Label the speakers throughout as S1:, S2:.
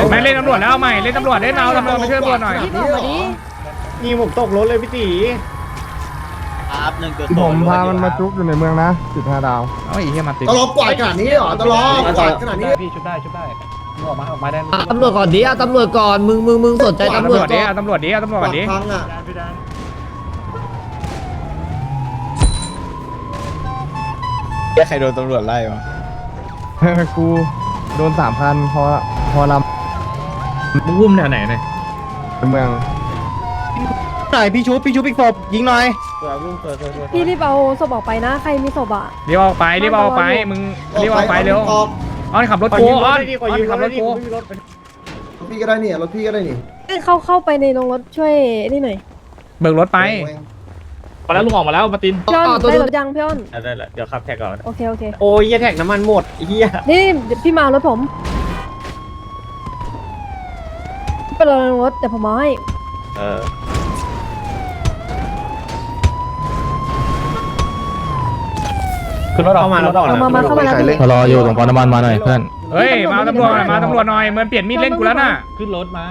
S1: ไม่เล่นตำรวจแล้วใหม่เล่นตำรวจเล่นเอาตำรวจมาช่วยตำรวจหน่อย
S2: พี่บอกมาดิ
S3: นี่ผมตกรถเลยพี่ตี
S4: ครับ1จุด
S5: ผมพามันมาจุกอยู่ในเมืองนะ15 ดาว
S1: เอาไอ้เหี้ยมาติด
S6: ตลกกว่าขนาดนี้เหรอตลกกว่าขนาดนี้
S3: พี่ชุบได้ออกมาได้
S7: ตำรวจก่อนดิเอาตำรวจก่อนมึงสนใจตำรวจ
S1: ดิ
S7: ก่อน
S1: เอาตำรวจดิเอาตำรวจ
S6: ป
S1: ก่
S6: อ
S1: อน
S6: ด
S1: ดิ
S6: พังอ่ะ
S4: ใครโดนตำรวจไล่มา
S5: กูโดน3,000พอล
S3: มึงวุ่มแถวไหนเนี่ย
S5: ำเมือง
S4: ไหนพี่ชุบอีกศพยิงหน่อย
S2: พี่รีบเอาศพออกไปนะใครมีศพอ่ะ
S1: รีบออกไปรีบออกไปมึงรีบออกไปเร็วออนขับรถกูออนขับรถกู
S6: พี่ก็ได้นี่รถพี่ก็ได้นี่
S2: เข้าไปในโรงรถช่วยนี่หน่อย
S1: เบิกรถไป
S3: มาแล้วลุงออกมาแล้วมาติน
S2: พี่อ้อนได้รถยังพี่อ้อน
S3: ได้แล้วเดี๋ยวขับแท็กก่อน
S2: โอเค
S3: โอ้ยแท็กน้ำมันหมดเฮีย
S2: นี่พี่มาเอารถผมไปรอในโรงรถเดี๋ยวผมเอาให้
S3: ขึ้นรถออกมาแล้ว
S2: เอามาเข้ามาแล้วพี่
S7: รออยู่ตรงปั๊มน้ำมันมาหน่อยเพื่อน
S1: เฮ้ยมาตำรวจหน่อยมันเปลี่ยนมีดเล่นกูแล้วน่ะ
S3: ขึ้นรถมา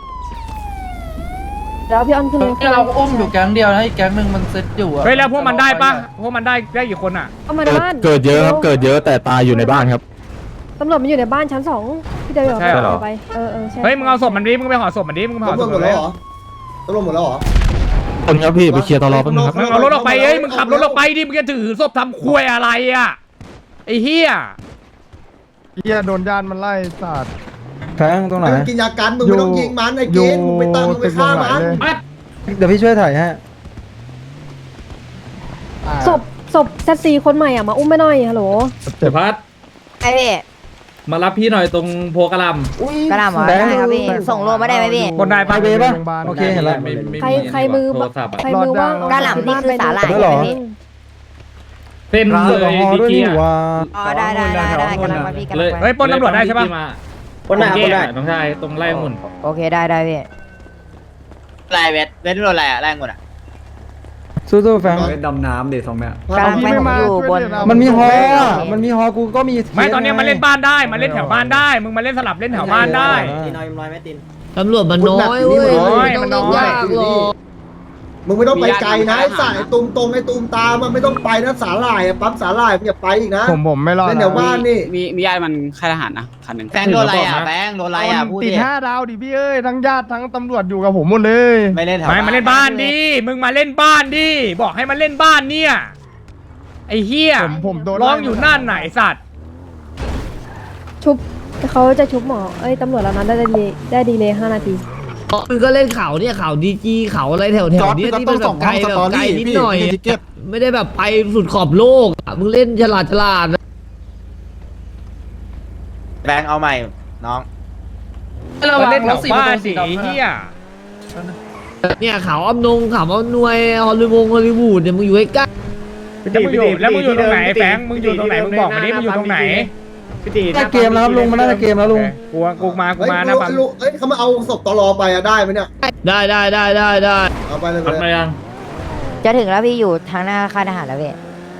S2: แล้วพี่อ้อนขึ้นรถ
S8: เราอุ้มอยู่แก๊งเดียวนะอีกแก๊งหนึ่งมันเซ็ตอยู่อะ
S1: เฮ้ยแล้วพวกมันได้ปะพวกมันได้กี่คนอ่ะ
S2: เอามาในบ้าน
S7: เกิดเยอะครับเกิดเยอะแต่ตายอยู่ในบ้านครับ
S2: ตำรวจมันอยู่ในบ้านชั้น2พี่เดียวไปใช่
S1: เฮ้ยมึงเอาศพมันดิมึงไปห่อศพมันดิมึงห่อศ
S6: ตำรว
S1: พ
S6: จหม
S1: มัน
S6: ด
S1: เล
S6: แล้
S1: ยว
S6: เหรอตำรวจหมดแล้วเหรอ
S7: คนครับพี่ไปเคลียร์ตลอแป๊บนึงครับ
S1: มึงเอารถออกไปเอ้ยมึงขับรถออกไปดิมึงจะถือศพทำควยอะไรอ่ะไอ้เหี้ย
S5: เฮียโดนญาติมันไล่สาด
S7: แทงตรงไหน
S6: มึงกินยากันมึงไม่ต้องยิงมันไอ้เกณฑ์มึงไปตั้งมึงไปฆ่ามัน
S7: เดี๋ยวพี่ช่วยถ่ายให้
S2: ศพเซตซีคนใหม่อ่ะมาอุ้มไม่หน่อยฮัลโหล
S3: เดี๋ยวพัด
S9: ไอพี่
S3: มารับพี่หน่อยตรงโพกระล
S9: กระหน่ำเหรอได้ครับพี่ส่งโลมาได้ไหมพี่
S1: บนได้ปะ
S7: โอเคเห็นแล้ว
S2: ใครมือว่าง
S9: กระหน่ำนี่คือสาหร่ายใช่ไหมพี่
S3: เส้นเลยดิเกีย
S9: อ๋อได้กำลังมาพี่กำลัง
S1: เฮ้ยปล้นตำรวจได้ใช่ปะ
S3: ปนได้น้องชายตรงไล่หุ่น
S9: โอเคได้พี่
S4: ไล่เวทโดนอะไรอะไล่งนอะ
S7: สู้ๆแฟง
S5: ดำน้ำเดี๋ยว2 แม่
S9: กำลังไปผมอยู่บน
S7: มันมีฮอมันมีฮอกูก็มี
S1: ไม่ตอนนี้มาเล่นบ้านได้มาเล่นแถวบ้านได้มึงมาเล่นสลับเล่นแถวบ้านได้
S4: ตีน้อยไม่ติน
S7: ตำรวจมันน้อยเว้ยมันต้องยากหรอก
S6: มึงไม่ต้องไปไกลนะไอ้สายตูมตรงไอ้ตูมตามมันไม่ต้องไปนะสาหร่ายปั๊มสาหร่ายมึงอย่าไปอีกนะ
S5: ผมไม่รอด
S6: เล่นแถวบ้านนี่
S8: มีญาติมันค่ายทหารนะคันหนึ่ง
S4: แฟงโดนอะไรอะแฟงโดนอะไรอะพูด
S5: ติด
S4: ดิ
S5: 5 ดาวดิพี่เอ้ยทั้งญาติทั้งตำรวจอยู่กับผมหมดเลย
S4: ไม่เล่นแถว
S1: ไม่มาเล่นบ้านดิมึงมาเล่นบ้านดิบอกให้มาเล่นบ้านเนี่ยไอ้เหี้ย
S5: ผมโดน
S1: ร้องอยู่นั่นไหนสัตว์
S2: ชุบเขาจะชุบหมอตำรวจแล้วนั้นได้ดีเลย5 นาที
S7: มึงก็เล่นเขาเนี่ยเขาดีจีเขาอะไรแถวๆนี้ที่มันแบบไกลแบบไกลนิดหน่อยไม่ได้แบบไปสุดขอบโลกมึงเล่นฉลาดนะ
S4: แฟงเอาใหม่น้อง
S1: มาเล่นแถวบ้านสิไอ้เหี้ย
S7: เนี่ยเขาอ้อมนงเขาอ้อมนวยฮอลลีวูดเนี่ยมึงอยู่ใกล้
S1: แล้วมึงอยู่ตรงไหนแฟงมึงอยู่ตรงไหนมึงบอกมาดิมึงอยู่ตรงไหน
S3: พี่ตี
S7: ได้เกมแล้วครับลุงมันน่าจะเกมแล้วลุง
S1: กูมา
S6: เฮ้ย
S1: นะปั๊ม
S6: เฮ้ยเขามาเอาศพตลอไปอะได้ไหมเนี่ย
S7: ได้
S6: เอาไปเลย
S3: ทำไมยัง
S9: จะถึงแล้วพี่อยู่ทางหน้าค่ายทหารแล้วพี่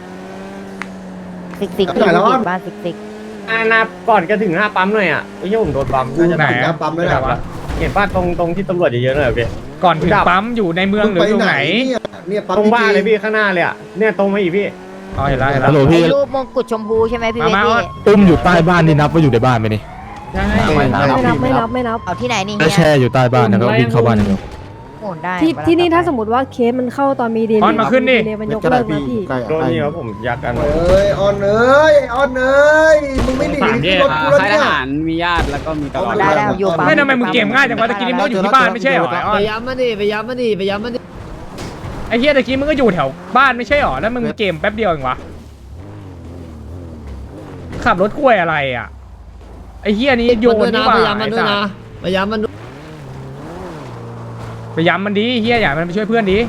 S9: ซิกพี่บ้านซิก
S3: หน้าก่อนจะถึงหน้าปั๊มหน่อยอ่ะไอ้ยี่ผมโดนปั๊ม
S6: กูจะถึงนะปั๊มไม่ได้วะ
S3: เห็นป้าตรงที่ตำรวจเยอะๆหน่อยพี่
S1: ก่อนถึงปั๊มอยู่ในเมืองหรือตรงไหน
S6: เนี่ยปั๊ม
S3: ตรงบ้านเลยพี่ข้างหน้าเลยอ่ะเนี่ยตรงมาอีกพี่
S1: อ๋อเห็นแล้ว
S7: ฮัลโหลพี่
S9: รูปมงกุฎชมพูใช่ไหมพี่เวทพี่
S7: อุ้มอยู่ใต้บ้านนี่นับว่าอยู่ในบ้านไหมนี่
S2: ไม่นับ
S9: เอาที่ไหนนี่
S7: ก็แช่อยู่ใต้บ้านนะครับวิ่งเข้าบ้านอย่างเดียว
S9: โอนได้
S2: ที่นี่ถ้าสมมติว่าเคสมันเข้าตอนมีดีเลยมันยกเลิกนะพี่
S3: โดนนี่ครับผมยักกัน
S6: เอ้ยออนเอ้ยมึงไม่หนีรถกูแล้ว
S8: ค่ายท
S6: เนี่ย
S8: หารมีญาติแล้วก็มีตลอด
S9: ได้อยู่ปั๊ม
S1: ไม่ทำไมมึงเกมง่ายจังวะตะกี้นี่มึงอยู่ที่บ้านไม่ใช่หรอ
S7: ไปย้ำมาดิไปย้ำมาดิ
S1: ไอ้เฮียตะกี้มึงก็อยู่แถวบ้านไม่ใช่หรอแล้วมึงเกมแป๊บเดียวเองวะขับรถกล้วยอะไรอ่ะไอ้เฮียนี้โยนนี่หว่า
S7: ไปย้ำมันด้วยนะไปย้ำมันด้วย
S1: ไปย้ำมันดิเฮียอยากมันไปช่วยเพื่อนดิ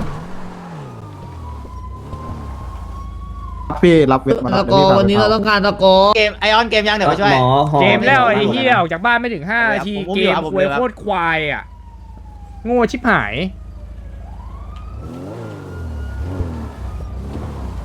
S5: พี่รับเวทมา
S7: ตะกอวันนี้เราต้องการตะกอ
S4: เกมไอออนเกมยังเดี๋ยวมาช่วย
S1: เกมแล้วไอ้เฮียออกจากบ้านไม่ถึง5 นาทีเกมควยโคตรควายอ่ะโง่ชิบหาย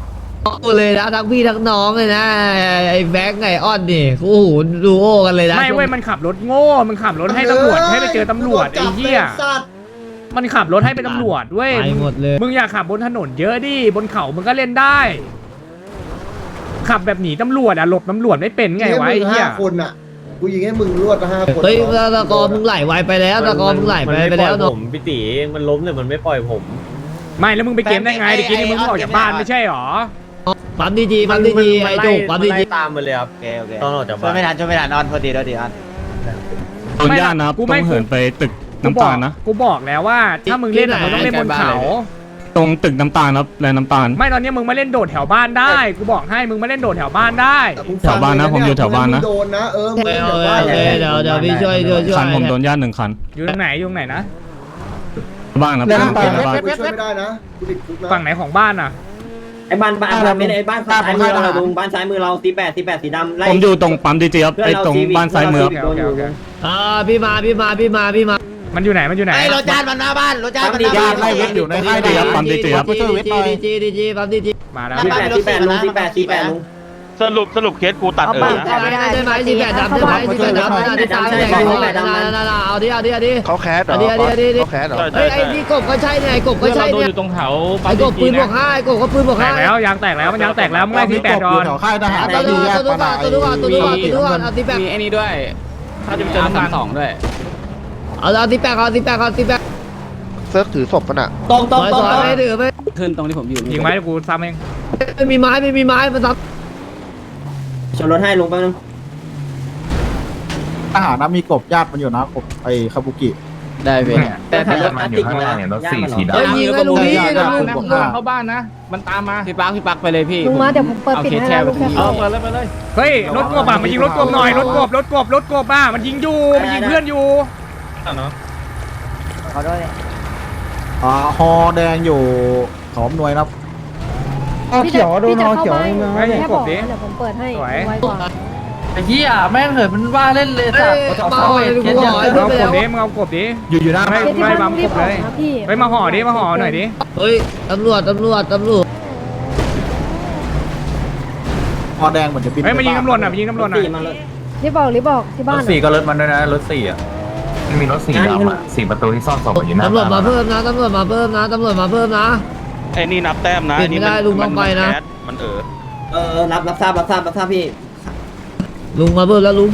S7: เลยนะทั้งพี่ทั้งน้องเลยนะไอ้แบงค์ไงอ้อนนี่โอ้โหดูโอกันเลยนะ
S1: ไม่เว้ยมันขับรถโง่มันขับรถให้ตำรวจให้ไปเจอตำรวจไอ้เหี้ย
S6: สัตว์
S1: มันขับรถให้เป็นตำรวจเว้ย
S7: ไปหมดเลย
S1: มึงอยากขับบนถนนเยอะดิบนเขามึงก็เล่นได้ ขับแบบหนีตำรวจอะหลบตำรวจไม่เป็นไงวะไอ้เหี้ย
S6: 5 คนอ่ะกูยิงให้มึงรวด5 คน
S7: เฮ้ยตะกอมึงไหลไวไปแล้วตะกอมึงไหลไปแล้ว
S3: ผ
S7: เนาะ
S3: มพี่ตีมันล้มเนี่ยมันไม่ปล่อยผม
S1: ไม่แล้วมึงไปเกมได้ไงเมื่อกี้นี่มึงเพิ่งออกจากบ้านไม่ใช่หรอ
S7: ปั๊มดีจีปั๊มดีจีไอ้จุกปั๊มดีจี
S3: ตามมาเลยครับ
S4: โอเคโอเค
S3: ตอนออกจาก
S4: ช่ว
S3: บ้าย น
S4: ไม่ทันช่วยไม่ทันออนพอดีแล้วดีออน
S1: โดนย่านนะกูไม่เหินไปตึกน้ำตาลนะกูบอกแล้วว่าถ้ามึงเล่นอะมึงต้องเล่นบนเขา
S10: ตรงตึกน้ำตาลครับแลน้ำตาล
S1: ไม่ตอนนี้มึงมาเล่นโดดแถวบ้านได้กูบอกให้มึงมาเล่นโดดแถวบ้านได้
S6: แต่มึง
S10: แถวบ้านนะผมอยู่แถวบ้านนะ
S6: มึงโดนนะมึง
S7: เอ
S6: เล่น
S7: อ
S6: แถว
S7: เอ
S6: บ้าน
S7: อเดี๋ยวพี่ช่วย
S10: คันผมโดนย่าน1 คัน
S1: อยู่ตรงไหนอยู่ตรงไหนนะ
S10: บ้านครับ
S5: แลน้ำตาล
S10: บ้าน
S6: กูช่วยไม่ได้นะกูติดคุกนะ
S1: ฝั่งไหนของบ้านอะ
S3: ไอ้บ้านไม่ได้ไอ้บ้านซ้ายมือเราลุงบ้านซ้ายมือเราตี8สีดำไล่
S10: ผมอยู่ตรงปั๊มดีเจครับไอ้ตรงบ้านซ้ายมือ
S1: โอเคโอเค
S7: พี่มา
S1: มันอยู่ไหนมันอยู่ไหน
S4: ไอ้รถจานมันหน้าบ้านรถจานมันหน้า
S10: ญา
S4: บ้าน
S10: ติไล่เวทอยู่ในค่ายดีครับปั๊มดีเจครับ
S7: ดีจีปั๊มดีจี
S1: มาแล้ว
S3: ตี8ลุงลุง
S8: สรุปเคสกูตัด
S9: เอาปากแต่ไม่ได้
S7: ได้ไหม18ดำได้ไหม18ดำได้ตามได้เอาดิ
S4: เขาแคสเหรอ
S7: เขาแคสเหรอเฮ้ยไอ้นี่กบก็ใช่เนี่ยกบก็ใช่เนี่ย
S8: อยู่ตรงแถว
S7: ไอ้กบปืนบวก5ไอ้กบก็ปืนบวก
S1: แต
S7: 5
S1: กแล้วยางแตกแล้วมันยางแตกแล้วมึงไล่ที่แปดก่อน
S4: ค่ายทหาร
S7: ตัวดูก่อนเอาตีแปด
S8: มีไอ้นี่ด้วยถ้าจะเจอน้ำ2ด้วย
S7: เอาตีแปด
S4: เซิร์ฟถือศพมันอ่ะ
S3: ตรง
S7: สวยไม่ถือไม่
S8: ขึ้นตรงที่ผมอยู่
S1: ยิงไว้เดี๋ยวกูซ้ำเอง
S7: ไม่มีไม้มันทับ
S3: ชนรถให้ลุงแป๊บนึง
S4: ทหารนะมีกบญาติมันอยู่นะกบไอ้คาบุกิ
S8: ได้เว้ย
S3: แต่รถมันอยู่ข้างล่างเนี่ยรถสีดำ
S7: เฮ้ยยิงให้ลุงนี่
S8: เข้าบ้านนะมันตามมาพี่ปักไปเลยพี่
S2: ลุงมาเดี๋ยวผมเปิดปิดให้นะลุงแค่เข้า
S8: ไปเลย
S1: เฮ้ยรถกบอ่ะมันยิงรถกบหน่อยรถกบอ่ะมันยิงอยู่มันยิงเพื่อนอยู่
S9: ขอโทษเลย
S4: ฮอแดงอยู่ขอมหน่วยนะ
S2: พี่จะเข้าบ้านแค่บอกนะเดี๋ยวผมเปิดให้ไวกว่า
S8: ไอ้เหี้ยแม่งเหินมันว่าเล่นเลยสัตว์
S7: มาหอยกูหอย
S1: มึงเอากบดิมึงเอากบดิ
S5: อยู่หน้า
S1: ไม่
S2: ที่
S1: ไม่
S2: บ้าน
S1: บั
S2: ต้อง
S1: ม
S2: รี
S1: ก
S2: บบ อ
S1: เล
S2: อก
S1: ย
S2: นะพี่
S1: เฮ้ยมาห่อดิมาห่อหน่อยดิ
S7: เฮ้ยตำรวจ
S4: ฮอแดงเหมือนจะบิน
S1: เฮ้ยมายิงตำรวจหน่อยมายิงตำรวจหน่อย
S2: รีบบอกที่บ้าน
S8: 4ก็รถมันด้วยนะรถ4อ่ะมันมีรถ4ดำอ่ะ4ประตูที่ซ่อนศพอยู่หน้า
S7: ตำรวจมาเพิ่มนะ
S8: ไอ้นี่นับแต้มนะ
S7: ปิดไม่ได้ลุงต้องไปนะ
S8: มัน
S3: รับทราบพี่
S7: ลุงมาเพิ่มแล้วลุง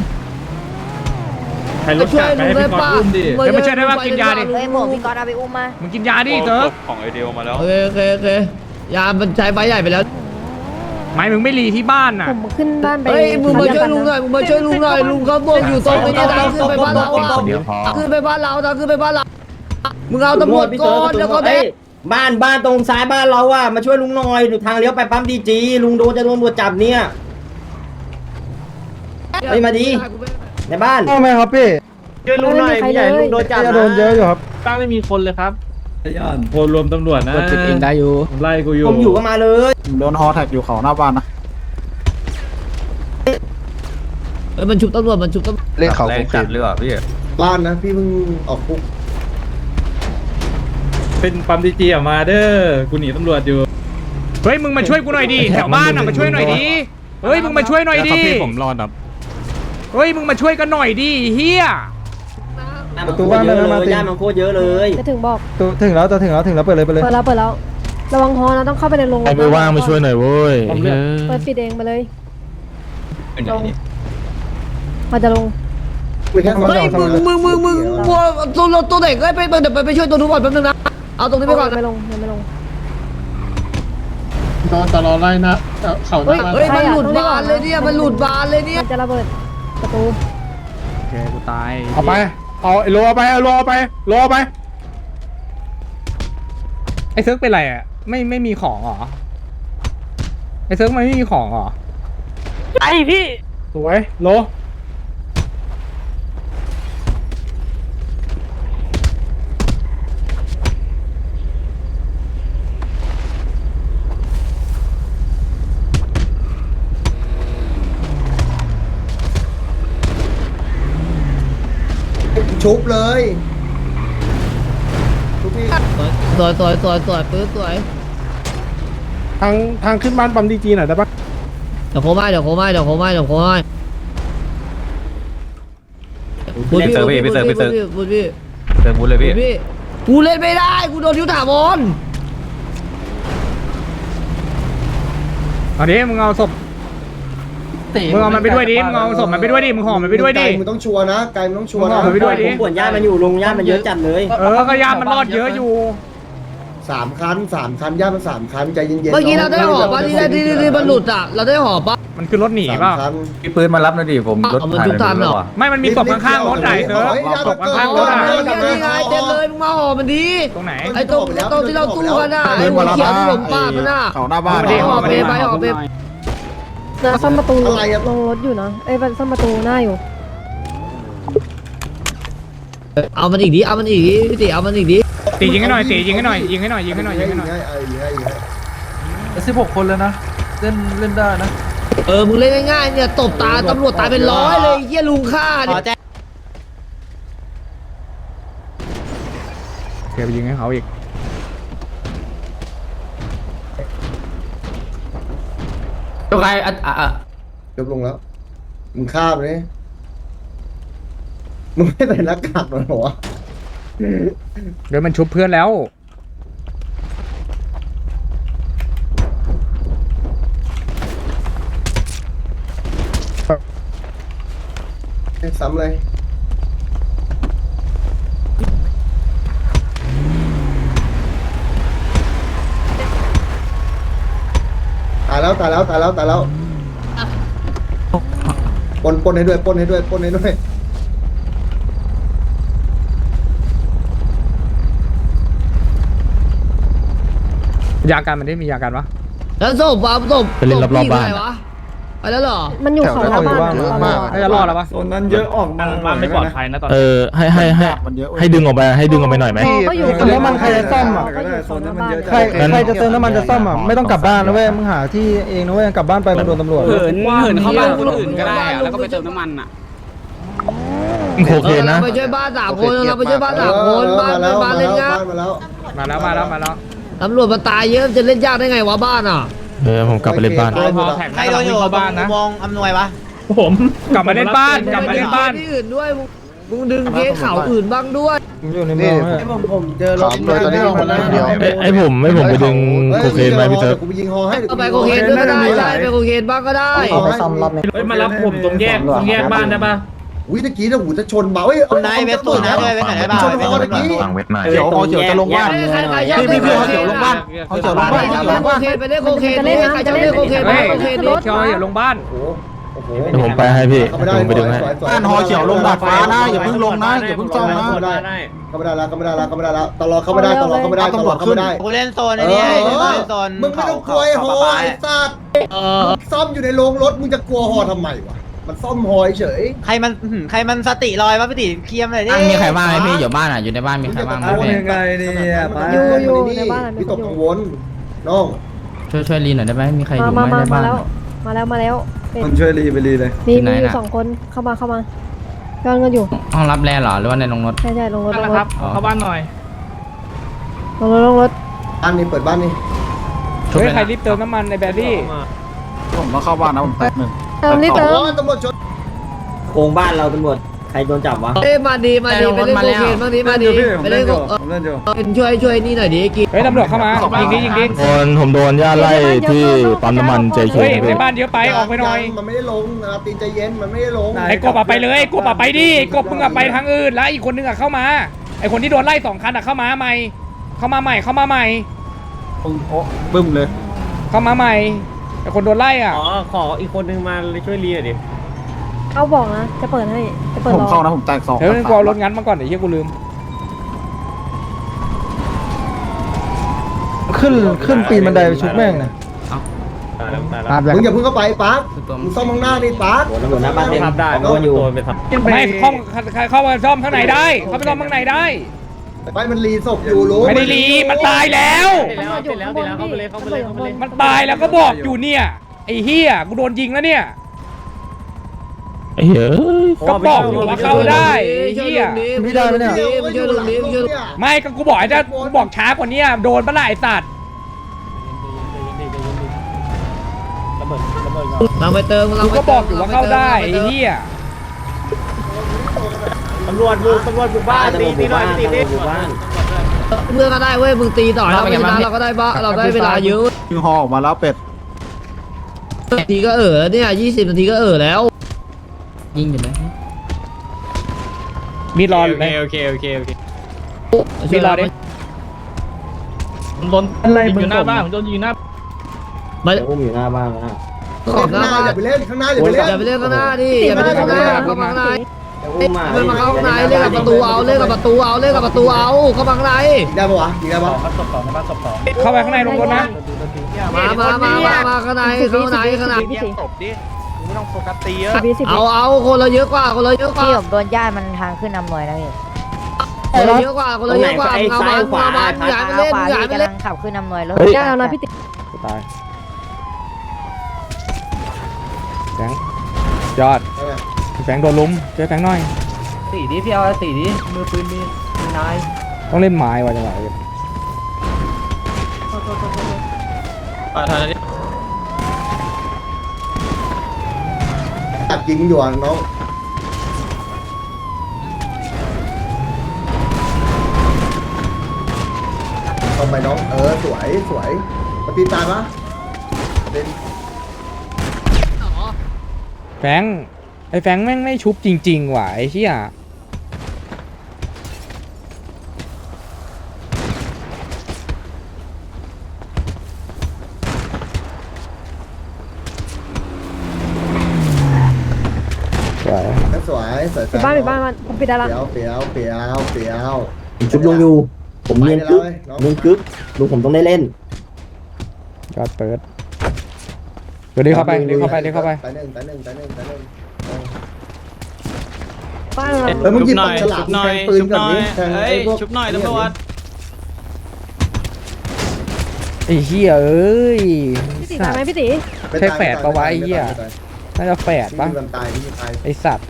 S7: ช่วยลุงได้ป่ะ
S1: เดี๋ยวมาช่วยได้ว่ากินยาดิ
S9: เฮ้ยหมวกพี่ก๊อตเอาไปอุ้มมา
S1: มึงกินยาดิเติร์ก
S8: ของไอเดียมาแล้ว
S7: โอเคยามันใช้ไฟใหญ่ไปแล้ว
S1: ไม่มึงไม่รีที่บ้านน่ะ
S2: ผมขึ้นบ้านไป
S7: เฮ้ยมึงมาช่วยลุงหน่อยลุงเขาบอกอยู่ตรงนี้ทางขึ้นไปบ้านเราขึ้นไปบ้านเรามึงเอาตำรวจก่อนแล้วก็แบก
S3: บ้านตรงซ้ายบ้านเราอ่ะมาช่วยลุงหน่อยทางเลี้ยวไปปั๊มดีจีลุงจะโดนตำรวจจับเนี่ยมาดีในบ้าน
S5: ทำไมครับพี่
S3: ช่วยลุงหน่อยพี่ใหญ่ลุงโดนจับ
S5: จะโดนเยอะอยู่ครับ
S8: ตั้งไม่มีคนเลยครับ
S5: โพลรวมตำรวจนะ
S8: กดจุดเองได้อยู่
S5: ไล่กูอยู่
S3: ผมอยู่ก็มาเลย
S4: โดนฮอแท็กอยู่เขาหน้าบ้านนะ
S7: มันชุบตำรวจเ
S4: ล่นเขา
S8: แรงจัดเรือพี่
S6: บ้านนะพี่เพิ่งออกคุก
S5: เป็นปั๊มดีจีมาเด้อกูหนีตำรวจอยู่
S1: เฮ้ยมึงมาช่วยกูหน่อยดิแถวบ้านน่ะมาช่วยหน่อยดิเฮ้ยมึงมาช่วยหน่อยดิ
S10: พี่ผมรอดครับ
S1: เฮ้ยมึงมาช่วยกันหน่อยดิเฮีย
S6: ประตูบ้านเลยนะย่ามันโคตรเยอะเลย
S2: จะถึงบอก
S5: ถึงแล้วเปิดเลย
S2: เปิดแล้วระวังฮอนะต้องเข้าไปในโรง
S10: ใครไม่ว่างมาช่วยหน่อยเว้ย
S2: เปิดปิดเองไปเลยลงมันจะลง
S7: ฮ้ยมึงตัวเด็กไปช่วยตัวนู้นก่อนแป๊บนึงนะเอาตรงนี้ไปก่อน
S2: ไม่ลงยังไม่ลง
S5: ตลอดไล่นะเขา
S2: เฮ้ย
S7: เฮ้ยมันหลุดบานเลยเนี่ยมัน
S2: จะระเบิดประตู
S1: โอเคกูตาย
S5: เอาไปเอาโลไป
S1: ไอ้เซิร์กเป็นไรอ่ะไม่มีของเหรอไอ้เซิร์กมันไม่มีของเหรอ
S5: สวยโล
S6: ชุบเลยชุบพี่
S7: สวยปื้ดสวย
S5: ทางขึ้นบ้านปั๊มดีจีหน่อยได้ปะ
S7: เดี๋ยวโคม่าพูด
S8: พี่เสิร์ฟพี่เสิร์ฟ
S7: พูด
S8: เสิร์ฟบูธเลยพี่
S7: พี่กูเล่นไม่ได้กูโดนยุทธถาวร
S1: เอาดิมึงเอาศพมึงเอามันไปด้วยดิมึงเอาศพมันไปด้วยดิมึงห่อมันไปด้วยดิ
S6: ไกลมึงต้องชัวร์นะไกลมึงต้องชัวร์นะ
S1: มึงห่อมันไปด้วยดิ
S3: ผมปวดญาติมันอยู่ลุงญาติมันเยอะจัดเลย
S1: ก็ยามันรอดเยอะอยู่
S6: 3 คันญาติมัน3 คันใจเย็นๆ
S7: เมื่อกี้เราได้หอบป่ะที่มันหลุดอ่ะเราได้หอบป่ะ
S1: มันคือรถหนีเปล่า
S6: 3 คัน
S8: พี่ปืนมารับหน่อยดิผมรถ
S7: เอามันทุกทันเหรอ
S1: ไม่มันมีศพข้างๆรถไหนเธอศพข้างๆรถอ่ะ
S7: นี่ไงเต็มเลยมึงมาหอบมันดี
S1: ตรงไหน
S7: ไอ้ตรงที่เราตู้กันอ่ะไอ้หัวเขียวที่ผมปาดมันอ่ะ
S5: เขาหน้าบ้าน
S7: หอบไปหอบไป
S2: นะซ่อมประตู
S6: อะไรอะ
S2: ลงรถอยู่นะซ่อมประตูหน้าอยู่
S7: เอามันอีกดิเอามันอีกดิพี่ติเอามันอีกดิ
S1: ตียิงให้หน่อยตียิงให้หน่อยยิงให้หน่อยยิงให้หน่อยยิงให้หน่อย
S5: 16 คนแล้วนะเล่นได้นะ
S7: มึงเล่นง่ายๆเนี่ยตบตาตำรวจตายเป็นร้อยเลยเฮียลุงฆ่าเนี่ย
S1: เดี๋ยวไปยิงให้เขาอีก
S8: ตัวใคร
S6: ยกลงแล้วมึงข้ามเลยมึงไม่ใส่หน้ากากหรอวะ
S1: เดี๋ยวมันชุบเพื่อนแล้ว
S6: ซ้ำเลยตายแล้วปนให้ด้วย
S1: ยาการมันได้มียาการวะ
S7: แล้วศพวะศพไปแล้วเหรอ
S2: มันอยู่เขาหน้าบ้าน
S1: น่าจะรอดแล้วปะ
S5: โซนนั้นเยอะออกมาบ้านไม่ปลอดภัยนะตอน
S10: ให้ดึงออกไปให้ดึงออกไปหน่อยไหม
S2: ก็อยู่
S5: เติมน้ำมันใครจะซ่อมอ่ะ
S2: โซนนั้นมันเยอะ
S5: ใครจะเติมน้ำมันจะซ่อมอ่ะไม่ต้องกลับบ้านนะเว้ยมึงหาที่เองนะเว้ยกลับบ้านไปมึงโดนตำรวจ
S7: เหินเข้าบ้านคนอื่นก็ได้แล้วก็ไปเติมน้ำมันอ่ะ
S10: โอเคนะ
S7: ไปช่วยบ้าน3 คนเราไปช่วยบ้าน3 คนบ้านเล่นยาก
S6: มาแล้ว
S1: มาแล้ว
S7: ตำรวจมาตายเยอะจะเล่นยากได้ไงวะบ้านอ่ะ
S10: ผมกลับไปเล่นบ้าน
S4: ใครโดนอยู่บ้านนะมองอำนวยวะ
S1: ผมกลับมาเล่นบ้าน
S7: ที่อื่นด้วยมึงดึงเคสข่าวอื่นบ้างด้วย
S5: อยู่ในเมือง
S4: ผมเจอรถ
S10: ไอ้ผมไปดึงโคเคนไหมพี่เติร์
S6: กูไปยิงฮอให้
S7: เอาไปโคเคนด้วยก็ได้ใช่ไปโคเคนบ้างก็ได้
S6: เอาไปซ่อมรอบนี้
S1: มารับผมตรงแยกบ้านได้ปะ
S6: วิตะกี้นะหูจะชนเบาเอ้ย
S4: คนไหนเวสตูนนะด้วยเวสไหนบ้าง
S6: ชนฮอตะกี้
S8: วางเวทหน่อย
S4: เขียวจะลงบ้านพี่เขาเขียวลงบ้านเขาเขียวลงบ้าน
S7: โคเคนไปเล่นโคเคนใครจะเล่นโคเคนไปโคเคน
S1: รถอย่าลงบ้าน
S6: โอ้โห
S10: เดี๋ยวผมไปให้พี่ผมไปดึงให้
S4: บ้านหอเขียวลงดาดฟ้านะอย่าเพิ่งลงนะอย่าเพิ่งซ่อมนะ
S6: เข้าไม่ได้แล้วตลอดเข้าไม่ได้
S4: กูเล่นโซนนี้เล่นโซน
S6: มึงไม่ต้องกลัวไอ้ฮอไอ้สัตว์ซ่อมอยู่ในโรงรถมึงจะกลัวฮอทำไมวะมันซ่อมฮอเฉย
S4: ใครมันสติลอยวะพี่ติเคลียร์เลยดิ
S10: มีใครบ้างไหมพี่อยู่บ้านอยู่ในบ้านมีใครบ้างไหมพี่
S6: ยังไงเนี่ยอยู่ในบ้านพี่ตกกังวลน้อง
S10: ช่วยรีหน่อยได้ไหมมีใครอยู่ไหม
S2: มา
S10: ในบ้าน
S2: แล้ว
S5: มันช่วยรีไปรีเลย
S2: มีอยู่2 คนเข้ามาย้อนกันอยู่
S10: ห้องรับแร่เหรอหรือว่าในโรงรถ
S2: ใช่ลงรถ
S1: เข้าบ้านหน่อย
S2: ลงรถ
S6: บ้านนี้เปิดบ้านนี้
S1: เฮ้ยใครรีบเติมน้ำมันในแบตตี้
S5: ผมต้องเข้าบ้านนะผมแป๊บนึง
S2: เติมนี่เติม
S6: ตำรวจชน
S3: โกงบ้านเราตำรวจใครโดนจับวะ
S7: มาดีไปเล่นโคเคนบ้างดิมาดีไปเล่นช่วยนี่หน่อยดิกิน
S1: เฮ้ยตำรวจเข้ามายิงดิ
S10: ผมโดนญาติไล่ที่ปั๊มน้ำมันใจเย็
S1: เฮ้ย
S10: น
S1: ในบ้านเยอะไปออกไปหน่อย
S6: มันไม่ได้ลงตีนใจเย็นมันไม่ได้ลง
S1: ไอ้กบไปเลยกบไปดิกบมึงไปทางอื่นแล้วอีกคนนึงเข้ามาไอ้คนที่โดนไล่2 คันเข้ามาใหม่
S5: บึ้มเลย
S1: เข้ามาใหม่ไอ้คนโดนไล่อ่ะ
S3: ขออีกคนนึงมาช่วยเรียดิ
S2: เอาบอกนะจะเปิดให้จะเปิด
S5: ผม
S2: รอ
S5: เข้านะผมแตก2
S1: เดี๋ยวกูเอารถงั้นมาก่อนเดี๋ยวเฮียกูลืม
S5: ขึ้นปีนบันไดไปชุบแม่งนะ
S6: มึงอย่าเพิ่งเข้าไปปั๊กมึงซ่อมข้างหน้านี่ปั๊ก
S3: ตำรวจหน้าบ้านเต็มโดนอยู่
S1: ไม่เข้ามาซ่อมข้างในได้เข้าไปซ่อมข้างในได้
S6: ไปมันรีศพอยู่รู้
S1: ไม่ได้รีมันตายแล้ว
S2: ตำรวจอยู่ข้างบนพี่ตำรวจอยู่ข้างบน
S1: มันตายแล้วก็บอกอยู่เนี่ยไอ้เฮียกูโดนยิงแล้วเนี่ย
S10: ไอ้เฮ้ย
S1: ก็บอกอยู่ว่าเข้าได้ไอ้เฮีย
S7: ไม่ได้ไหมเนี่ยช่วยลุงนี้ช่วย
S1: ไม่ก็กูบอกจะกูบอกช้ากว่านี้โดนปะล่ะไอ้สัตว์
S7: เราไปเติมเรา
S1: กู
S7: ไป
S1: ก็บอกอยู่ว่าเข้าได้ไอ้เหี้ย
S3: ตำรวจบุกบ้านตีหน่อยตีดิบุกบ้าน
S7: เพื่อนก็ได้เว้ยมึงตีต่อเราเวลาเราก็ได้บ้าเราได้เวลาเยอะ
S4: ยิงฮอออกมาแล้วเป็ด
S7: นาทีก็เนี่ย20 นาทีก็แล้ว ยิงอยู่ไหม
S1: มีรออยู่ไหม
S10: โอเค
S1: มีรอดิ
S10: โดนอยู่หน้าบ้านผมโดนยิงหน้า
S7: มา
S3: อุ้มอยู่หน้าบ้านนะ
S7: ขอบหน้าบ้าน
S6: อย่าไปเล่นข้างหน้าอย่าไปเล่น
S7: อย่าไปเล่นข้างหน้าดิอย่าไปเล่นข้างหน้าเข้ามาข้างใน
S3: อุ้มมา
S7: เล่นมาเข้าข้างในเล่นกับประตูเอาเล่นกับประตูเอาเล่นกับประตูเอาเข้ามาข้างใน
S6: ยิงได้ปะวะยิงได้ปะ
S1: เข้าไปข้างในลงรถนะ
S7: มาข้างในข้างใน
S2: พี่ตี
S4: ตบดิไม่ต้องโฟกัสตีเยอะ
S2: 10
S7: เอาคนละเยอะกว่าคนละเยอะกว่า
S9: ที่ผมโดนญาติมันทางขึ้นนำหน่วยนะพี่
S7: คนละเยอะกว่าคนละเยอะกว่าเอามาอย่าไปเล่น
S9: ขวา
S7: อย่า
S9: พี่
S7: ไป
S9: กำ
S7: เล่
S9: ลั
S7: น
S9: งขับขึ้นนำหน่วยรถ
S2: ได้แล้วนะพี่ตี
S1: ตายแฟงยอดแฟงโดนลุมเจอแฟงหน่อย
S3: ตีดิพี่เอาตีดิมือปืนมีนาย
S1: ต้องเล่นไม้ว่ะจังหวะนี้
S6: ตัดยิงอยู่อ่ะน้องทำไมน้องสวยปฏิตายปะเป็น
S1: แฟงไอ้แฟงแม่งไม่ชุบจริงๆว่ะไอ้เชี่ย
S6: สวย
S2: ปิดบ้านมันผมปิดได้ละ
S6: เปียว
S3: ชุบลุงอยู่ผมเรียนกึ๊บลุงกึ๊บลุงผมต้องได้เล่น
S1: ยอดเปิดเดี๋ยวเข้าไปเดี๋ยวเข้าไป
S6: ตายหนึ่ง
S2: บ้านเรา
S6: มึงหยิบปากฉลามแทงปืนกับนี้แทงไอ้พวก
S10: ชุบหน่อยตำรวจ
S1: ไอ้เหี้ยเอ้ย
S2: พี่ตีตายไหมพี่ตี
S1: ใช่แฝดปะวะไอ้เหี้ยน่าจะแฝดปะ
S6: มันตาย
S1: ไอ้สัตว์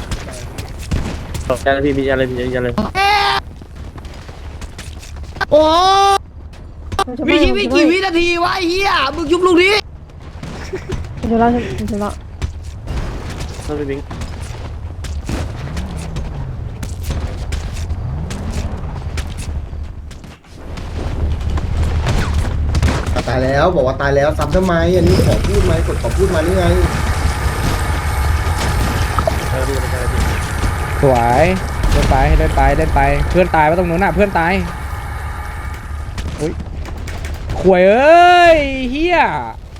S7: โอ้มีชีวิตกี่วินาทีวะเฮียมึงยุบลูกนี้
S2: เดี๋ยวเราเดี๋ยวเรา
S6: ตายแล้วบอกว่าตายแล้วซ้ำทำไมอันนี้ขอพูดไหมกดขอพูดมานี่ไง
S1: สวยเดินไปเพื่อนตายว่าตรงนู้นน่ะเพื่อนตายอุ้ยขวยเอ้ยเฮีย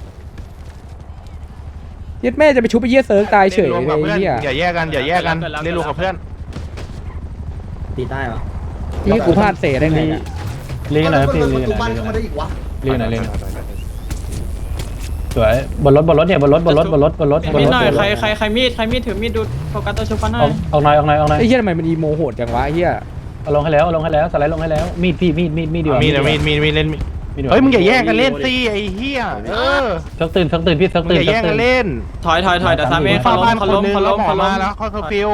S1: ยัดแม่จะไปชุบไปเยี่ยเซิร์กตายเฉยเลยเฮีย
S4: อย่าแยกกันเล่นรวมกับเพื่อน
S3: ตีใต้ปะ
S1: นี่กูพลาดเสได้ไงเนี่ย
S10: เล่นหน่อยพี่
S6: เล่นบ้านเข้ามาได้อีกวะ
S10: เล่นหน่อยสวยบนรถเนี่ยบนรถ
S8: มีหน่อยใครมีดถือมีดดูโฟกัสตัวชุบกันหน่อย
S10: เอาหน่อย
S1: ไอ้เฮียทำไมมันอีโมโหดจังวะไอ้เฮีย
S10: เอาลงให้แล้วสไลด์ลงให้แล้วมีดพี่มีดดีกว่า
S4: มีเล่นเฮ้ยมึงอย่าแยกกันเล่นสิไอ้เหี้ย
S10: ซักตื่นพี่ซัก
S4: มึง
S10: ตื่น
S4: อย่าแยกกันเล่น
S8: ถอยเดี๋ยวทำเอง
S4: เข้าบ้านคนนึง
S8: เขา
S4: แล้ว
S8: ล้ม
S4: หมอมาแล้วค่อยฟิว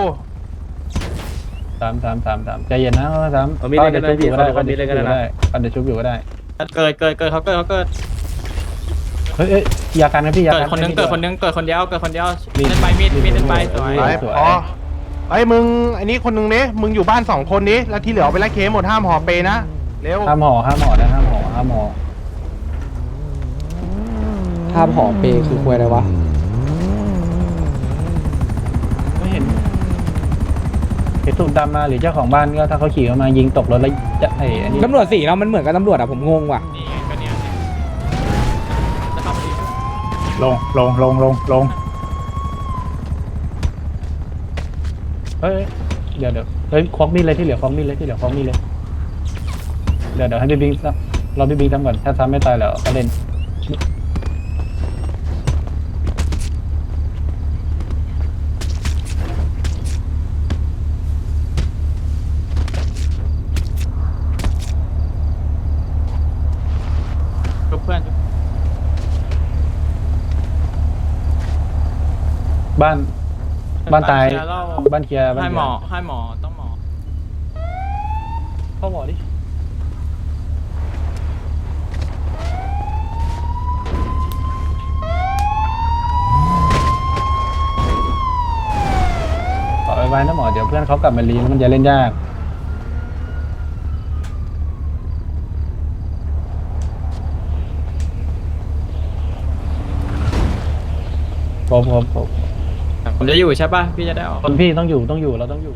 S10: 3ใจเย็นนะ3มีดกันชุบอยู่ก็ได้กันเดี๋ยวชุบอยู่ก็ได้
S8: เกิดเขาเกิด
S10: เฮ้ยยากันนะพี่ยา
S8: เกิด
S10: กัน
S8: คนนึงเกิดคนเดียวเล่นไปมีดเล่นไปสวย
S4: อ๋อไอ้มึงไอ้นี่คนนึงเนี่ยมึงอยู่บ้าน2คนนี้แล้วที่เหลือไปไล่เคสหมดห้ามห่อเปนะเร็ว
S10: ห้ามห่อนะห้ามห่อ
S1: ภาพหอมเปคือควยอะไรวะ
S10: ไม่เห็นตุ่มดำมาหรือเจ้าของบ้านก็ถ้าเขาขี่เข้ามายิงตกรถแล้วจะไอ้อันนี้
S1: ตำรวจสีเรามันเหมือนกับตำรวจอะผมงงว่ะ
S8: นี่ไงก็เนี่ย
S10: ลงเฮ้ยเดี๋ยวเฮ้ยควักมีดเลยที่เหลือควักมีดเลยเดี๋ยวให้พี่บิ๊กเราพี่บิ๊กทำก่อนถ้าซ้ำไม่ตายแล้วก็เล่น
S8: เพื่อน
S10: บ้านตายบ้านเคลียร์
S8: ให้หมอต้องหมอ
S10: เข้าหมอดิพื่อนเขากลับมาลีมันจะเล่นยากผม
S3: ผมจะอยู่ใช่ป่ะพี่จะได้ออก
S10: คนพี่ต้องอยู่เราต้องอยู่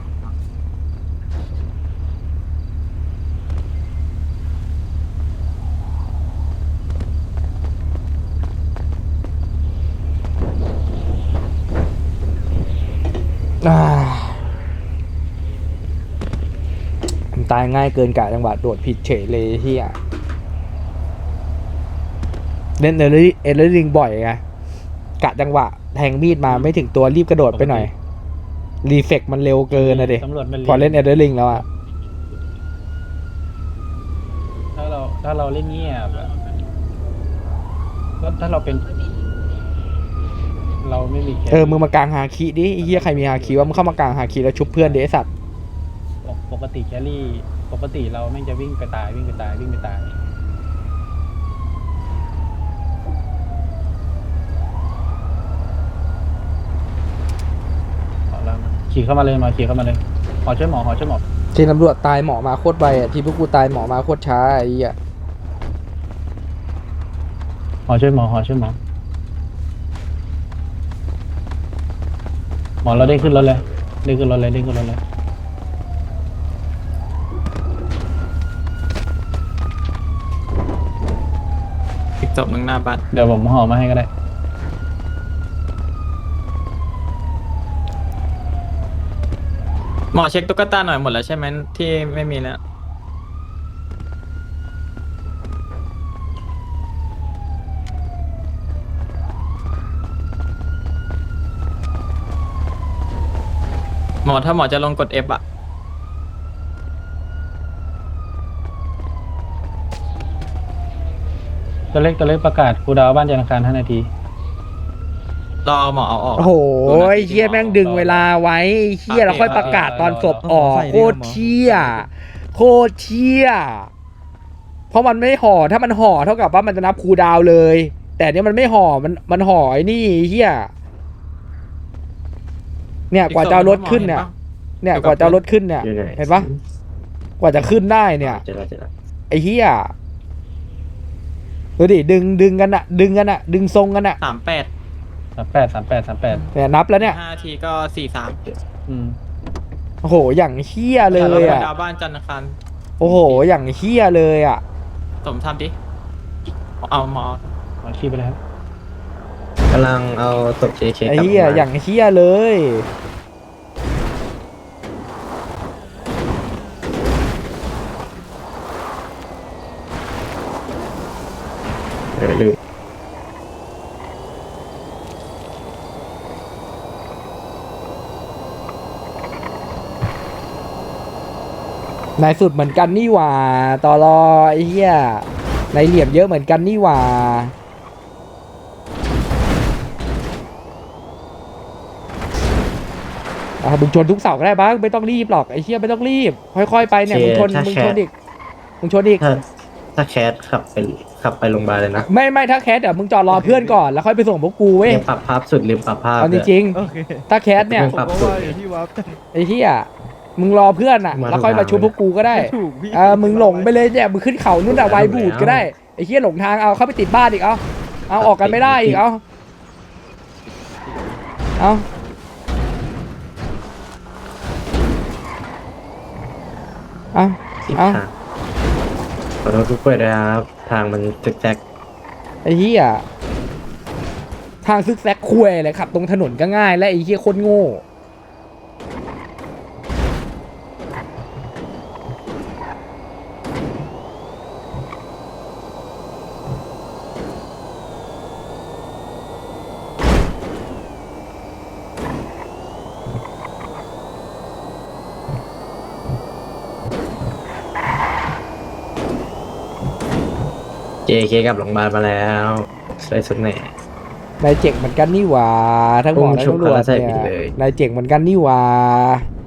S1: มันตายง่ายเกินกะจังหวะโดดผิดเฉยเลยเฮียเล่นเอเลอร์ลิงบ่อยไงกะจังหวะแทงมีดมาไม่ถึงตัวรีบกระโดดไปหน่อยรีเฟกมันเร็วเกินนะเด็
S10: ตำรวจมัน
S1: พอเล่นเอเลอร์ลิงแล้วอะ
S10: ถ้าเราเล่นเงียบอะถ้าเราเป็น เราไม่มีแค่
S1: มึงมากลางฮาคิดิไอ้เฮียใครมีฮาคิว่ามึงเข้ามากลางฮาคิแล้วชุบเพื่อนเดไอ้สัตว์
S10: ปกติแครี่ปกติเราไม่งจะวิ่งไปตายเอาแล้วนะขี่เข้ามาเลยหอช่วยหมอ
S1: ทีมตำรวจตายหมอมาโคตรไวอะทีมพวกกูตายหมอมาโคตรช้าไอ้เหี้ย
S10: หอช่วยหมอเราได้ขึ้นรถเลย
S3: อีกศพหนึ่งหน้าบ้าน
S10: เดี๋ยวผมห่อมาให้ก็ได้
S3: หมอเช็คตุ๊กตาหน่อยหมดแล้วใช่ไหมที่ไม่มีแล้วหมอถ้าหมอจะลงกด F อ่ะ
S10: ตัวเล็กประกาศครูดาวบ้านจันทร์อังคาร5 นาที
S3: รอหมอเอาออก
S1: โอ้โหไอ้เหี้ยแม่งดึงเวลาไว้ไอ้เหี้ยแล้วค่อยประกาศตอนศพออกโคตรเชี่ยเพราะมันไม่ห่อถ้ามันห่อเท่ากับว่ามันจะนับคูลดาวน์เลย แต่เนี้ยมันไม่ห่อมันห่อไอ้นี่ไอ้เหี้ยเนี่ยกว่าจะเอารถขึ้นเนี่ยกว่าจะเอารถขึ้นเนี่ยเห็นปะกว่าจะขึ้นได้เนี่ยไอ้เหี้ยดูดิดึงกันอะดึงทรงกันอะ
S3: 38
S10: 38
S1: เนี่ยนับแล้วเนี่ย
S3: 5 ทีก็43
S10: อืม
S1: โอ้โหอย่างเหี้ยเลยอะ
S3: ดาวบ้านจันทร์อังคาร
S1: โอ้โหอย่างเหี้ยเลยอะ
S3: สมทำดิเอาหมอ
S10: ขี่ไปเลยครับ
S3: กำลังเอาศพ JK
S1: ไอ้เหี้ยอย่างเหี้ยเลยนายสุดเหมือนกันนี่หว่าตอรอไอ้เหี้ยนายเหลี่ยมเยอะเหมือนกันนี่หว่ามึงชนทุกเสาก็ได้บ้างไม่ต้องรีบหรอกไอ้เหี้ยไม่ต้องรีบค่อยๆไปเนี่ยมึงชนอีก
S3: ถ้าแคสขับไปโรงพยาบาลเลยนะ
S1: ไม่ถ้าแคสเดี๋ยวมึงจอดรอเพื่อนก่อนแล้วค่อยไปส่งพวกกูเว้ย
S3: ลืมปรับภาพสุดลืมปรับภาพ
S1: เอาจริงๆถ้าแคสเนี่ย
S3: ปรับสุด
S1: ไอ้เหี้ยมึงรอเพื่อนอ่ะแล้วค่อยมาชุบพวกกูก็ได้มึงหลงไปเลยเนี่ยมึงขึ้นเขานู่นอะไวบูดก็ได้ไอ้เหี้ยหลงทางเอาเข้าไปติดบ้านอีกเอาออกกันไม่ได้อีกเอา
S3: ขอโทษทุกคนด้วยครับทางมันจึกแจก
S1: ไอ้เหี้ยทางซึกแซกคุยเลยขับตรงถนนก็ง่ายและไอ้เหี้ยโคตรโง่
S3: JK กับโรงพยาบาลมาแล้วใส่สุดแหน่
S1: นายเจ๋งเหมือนกันนี่หว่าทั้งหมอทั้งตำรวจเนี่ยนายเจ๋งเหมือนกันนี่หว่า